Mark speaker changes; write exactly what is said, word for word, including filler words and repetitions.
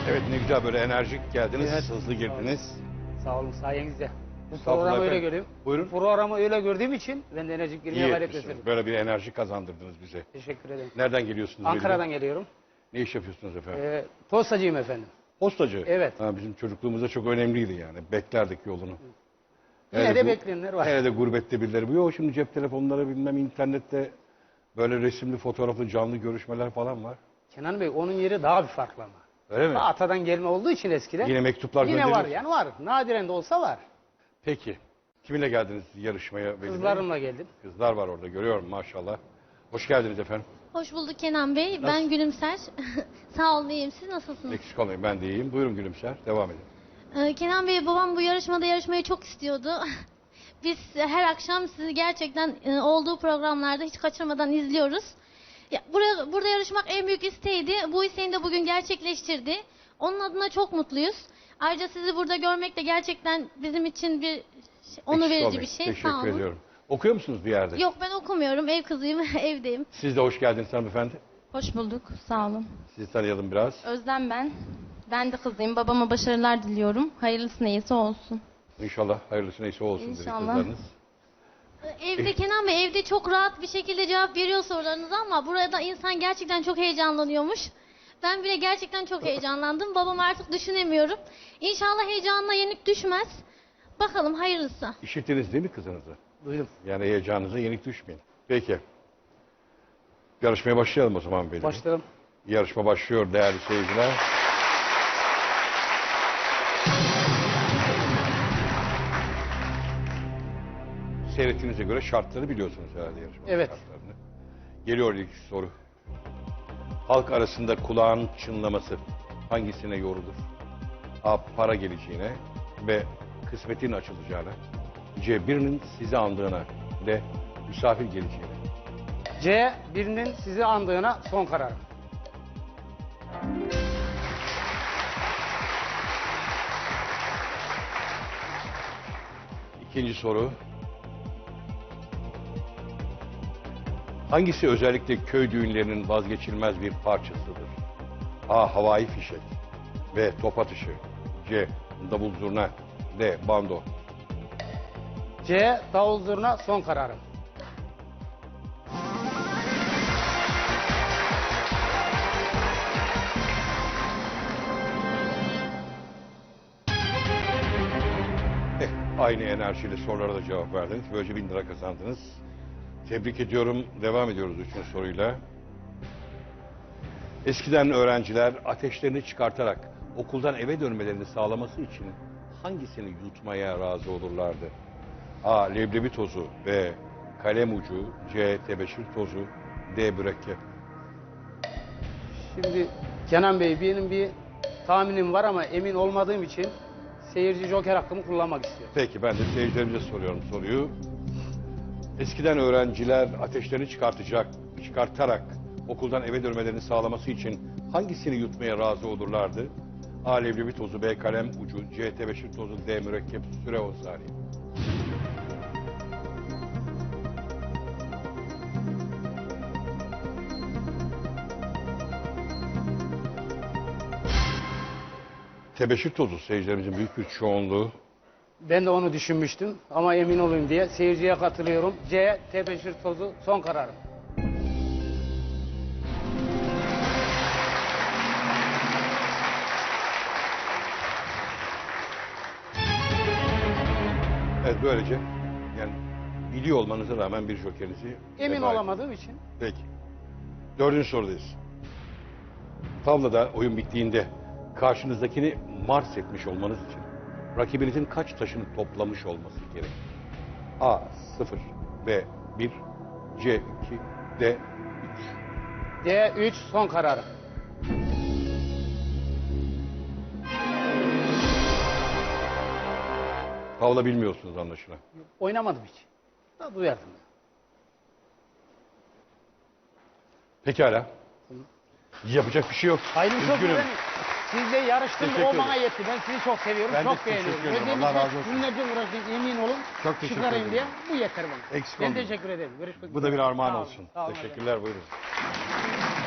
Speaker 1: Evet, ne güzel böyle enerjik geldiniz,
Speaker 2: Evet.
Speaker 1: hızlı girdiniz.
Speaker 2: Sağ olun sayenizde. Bu
Speaker 1: Estağfurullah
Speaker 2: programı öyle
Speaker 1: efendim.
Speaker 2: görüyorum.
Speaker 1: Buyurun.
Speaker 2: Bu programı öyle gördüğüm için ben de enerjik girmeye
Speaker 1: İyi
Speaker 2: gayret
Speaker 1: etmişsiniz.
Speaker 2: gösteriyorum.
Speaker 1: Böyle bir enerji kazandırdınız bize.
Speaker 2: Teşekkür ederim.
Speaker 1: Nereden geliyorsunuz?
Speaker 2: Ankara'dan
Speaker 1: belli?
Speaker 2: geliyorum.
Speaker 1: Ne iş yapıyorsunuz efendim?
Speaker 2: Ee, postacıyım efendim.
Speaker 1: Postacı.
Speaker 2: Evet.
Speaker 1: Ha, bizim çocukluğumuzda çok önemliydi yani. Beklerdik yolunu.
Speaker 2: Yine
Speaker 1: Hele
Speaker 2: de
Speaker 1: bu-
Speaker 2: bekleyenler var.
Speaker 1: Hele de gurbette birileri. Bu yok şimdi cep telefonları bilmem internette böyle resimli, fotoğraflı, canlı görüşmeler falan var.
Speaker 2: Kenan Bey onun yeri daha bir farklı ama.
Speaker 1: Öyle mi?
Speaker 2: Atadan gelme olduğu için eskiden.
Speaker 1: Yine mektuplar
Speaker 2: Yine
Speaker 1: gönderiyor.
Speaker 2: var yani var. Nadiren de olsa var.
Speaker 1: Peki. Kiminle geldiniz yarışmaya? Veli Bey?
Speaker 2: Kızlarımla geldim.
Speaker 1: Kızlar var orada görüyorum maşallah. Hoş geldiniz efendim.
Speaker 3: Hoş bulduk Kenan Bey.
Speaker 1: Nasıl?
Speaker 3: Ben Gülümser. Sağ olun, iyiyim. Siz nasılsınız?
Speaker 1: Eksik olmayın, ben de iyiyim. Buyurun Gülümser, devam edin.
Speaker 3: Ee, Kenan Bey, babam bu yarışmada yarışmayı çok istiyordu. Biz her akşam sizi gerçekten e, olduğu programlarda hiç kaçırmadan izliyoruz. Ya, buraya, burada yarışmak en büyük isteğiydi. Bu isteğini de bugün gerçekleştirdi. Onun adına çok mutluyuz. Ayrıca sizi burada görmek de gerçekten bizim için bir onur
Speaker 1: Eksik
Speaker 3: verici
Speaker 1: olmayın.
Speaker 3: bir şey.
Speaker 1: Teşekkür
Speaker 3: Sağ olun.
Speaker 1: ediyorum. Okuyor musunuz bir yerde?
Speaker 3: Yok, ben okumuyorum. Ev kızıyım. Evdeyim.
Speaker 1: Siz de hoş geldiniz hanımefendi.
Speaker 4: Hoş bulduk, sağ olun.
Speaker 1: Sizi tanıyalım biraz.
Speaker 4: Özlem ben. Ben de kızıyım. Babama başarılar diliyorum. Hayırlısı neyse olsun.
Speaker 1: İnşallah hayırlısı neyse olsun dedi
Speaker 4: İnşallah.
Speaker 1: kızlarınız.
Speaker 3: Evde Kenan Bey, evde çok rahat bir şekilde cevap veriyor sorularınıza ama burada insan gerçekten çok heyecanlanıyormuş. Ben bile gerçekten çok heyecanlandım. Babam artık düşünemiyorum. İnşallah heyecanına yenik düşmez. Bakalım hayırlısı.
Speaker 1: İşittiniz değil mi kızınızı?
Speaker 2: Duydum.
Speaker 1: Yani heyecanınıza yenik düşmeyin. Peki. Yarışmaya başlayalım o zaman benim.
Speaker 2: Başlayalım.
Speaker 1: Yarışma başlıyor değerli seyirciler. Seyrettiğinize göre şartları biliyorsunuz herhalde yarışmanın
Speaker 2: Evet.
Speaker 1: şartlarını. Geliyor ilk soru. Halk arasında kulağın çınlaması hangisine yorulur? A. Para geleceğine. B. Kısmetin açılacağına. C. Birinin sizi andığına. D. Misafir geleceğine.
Speaker 2: C. Birinin sizi andığına son karar.
Speaker 1: İkinci soru. Hangisi özellikle köy düğünlerinin vazgeçilmez bir parçasıdır? A. Havai fişek. B. Top atışı. C. Davul zurna. D. Bando.
Speaker 2: C. Davul zurna son kararım.
Speaker 1: Eh, aynı enerjiyle sorulara da cevap verdiniz. Böylece bin lira kazandınız. Tebrik ediyorum. Devam ediyoruz üçüncü soruyla. Eskiden öğrenciler ateşlerini çıkartarak okuldan eve dönmelerini sağlaması için hangisini yutmaya razı olurlardı? A. Leblebi tozu. B. Kalem ucu. C. Tebeşir tozu. D. Mürekkep.
Speaker 2: Şimdi Kenan Bey benim bir tahminim var ama emin olmadığım için seyirci joker hakkımı kullanmak istiyorum.
Speaker 1: Peki ben de seyircilerimize soruyorum soruyu. Eskiden öğrenciler ateşlerini çıkartacak, çıkartarak okuldan eve dönmelerini sağlaması için hangisini yutmaya razı olurlardı? A. Leblebi tozu. B. Kalem ucu. C. Tebeşir tozu. D. Mürekkep. Süre on saniye. Tebeşir tozu seyircilerimizin büyük bir çoğunluğu.
Speaker 2: Ben de onu düşünmüştüm ama emin olayım diye seyirciye katılıyorum. C. Tebeşir tozu son kararım.
Speaker 1: Evet böylece yani biliyor olmanıza rağmen bir jokerinizi
Speaker 2: Emin
Speaker 1: veda
Speaker 2: olamadığım için.
Speaker 1: Peki. Dördüncü sorudayız. Tavlada oyun bittiğinde karşınızdakini mars etmiş olmanız için rakibinizin kaç taşını toplamış olması gerek? A. sıfır. B. bir. C. iki. D. üç.
Speaker 2: D. üç son kararım.
Speaker 1: Tavla bilmiyorsunuz anlaşılan.
Speaker 2: Oynamadım hiç. Da duyardım.
Speaker 1: Pekala. Yapacak bir şey yok.
Speaker 2: Hayır çok
Speaker 1: Üzgünüm.
Speaker 2: güzel. Sizle yarıştım
Speaker 1: Teşekkür
Speaker 2: o bana
Speaker 1: ederim.
Speaker 2: yetti. Ben sizi çok seviyorum.
Speaker 1: Ben de
Speaker 2: çok
Speaker 1: sizi
Speaker 2: beğeniyorum.
Speaker 1: teşekkür ederim.
Speaker 2: Özellikle
Speaker 1: Allah razı olsun.
Speaker 2: günlerce uğraştım emin olun.
Speaker 1: Çok teşekkür
Speaker 2: çıkarayım
Speaker 1: ederim.
Speaker 2: diye. Bu yeter bana.
Speaker 1: Eksik
Speaker 2: Ben
Speaker 1: olmayın.
Speaker 2: teşekkür ederim. Görüşmek
Speaker 1: Bu da bir
Speaker 2: üzere.
Speaker 1: armağan
Speaker 2: Sağ olun,
Speaker 1: olsun.
Speaker 2: sağ olun.
Speaker 1: Teşekkürler buyurun.